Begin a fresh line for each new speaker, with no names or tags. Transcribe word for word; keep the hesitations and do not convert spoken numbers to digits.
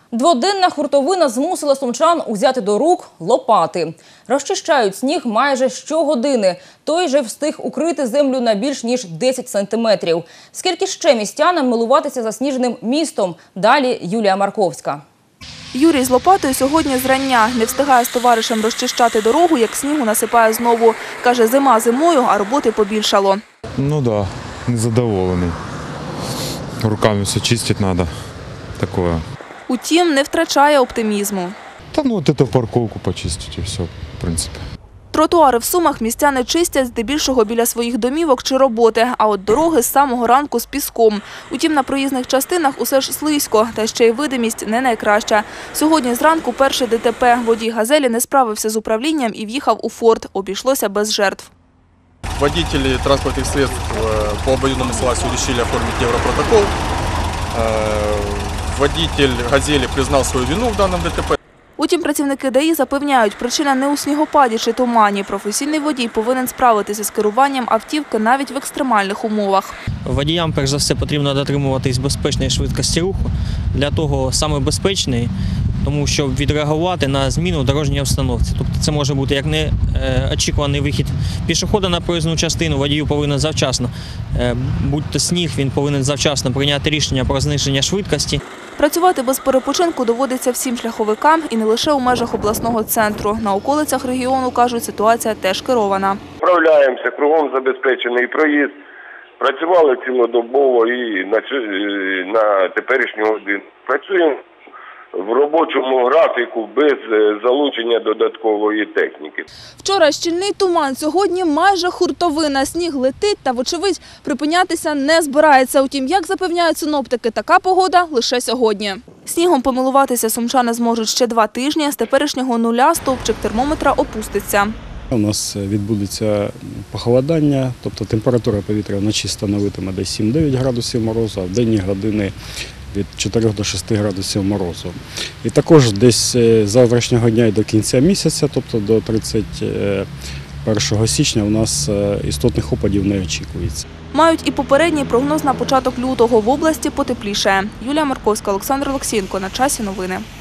Дводенна хуртовина змусила сумчан узяти до рук лопати. Розчищають сніг майже щогодини. Той же встиг укрити землю на більш ніж десять сантиметрів. Скільки ще містянам милуватися засніженим містом? Далі Юлія Марковська.
Юрій з лопатою сьогодні зрання. Не встигає з товаришем розчищати дорогу, як снігу насипає знову. Каже, зима зимою, а роботи побільшало.
Ну так, да, незадоволений. Руками все чистити треба. Такое.
Утім, не втрачає оптимізму.
Та ну от цю парковку почистити і все, в принципі.
Тротуари в Сумах містяни чистять здебільшого біля своїх домівок чи роботи, а от дороги з самого ранку з піском. Утім, на проїзних частинах усе ж слизько, та ще й видимість не найкраща. Сьогодні зранку перше ДТП. Водій «Газелі» не справився з управлінням і в'їхав у форт. Обійшлося без жертв.
Водители транспортных средств по обоюдному согласию решили оформить европротокол. Водитель «Газели» признал свою вину в данном ДТП.
Утім, працівники ДАІ запевняють, причина не у снігопаді чи тумані. Професійний водій повинен справитися з керуванням автівки навіть в екстремальних умовах.
Водіям, перш за все, потрібно дотримуватись безпечної швидкості руху. Для того саме безпечної, тому що відреагувати на зміну в дорожній обстановці. Тобто це може бути як неочікуваний вихід пішохода на проїзну частину, водію повинен завчасно, будь-то сніг, він повинен завчасно прийняти рішення про зниження швидкості.
Працювати без перепочинку доводиться всім шляховикам і не лише у межах обласного центру. На околицях регіону, кажуть, ситуація теж керована.
Справляємося, кругом забезпечений проїзд. Працювали цілодобово і на, на теперішню годину. Працюємо в робочому графіку без залучення додаткової техніки.
Вчора щільний туман, сьогодні майже хуртовина. Сніг летить та, вочевидь, припинятися не збирається. Утім, як запевняють синоптики, така погода лише сьогодні. Снігом помилуватися сумчани зможуть ще два тижні. З теперішнього нуля стовпчик термометра опуститься.
У нас відбудеться похолодання, тобто температура повітря вночі становитиме десь сім-дев'ять градусів морозу, а в денні години від чотирьох до шести градусів морозу. І також десь з завтрашнього дня і до кінця місяця, тобто до тридцять першого січня, у нас істотних опадів не очікується.
Мають і попередній прогноз на початок лютого. В області потеплішає. Юлія Марковська, Олександр Олексієнко. На часі новини.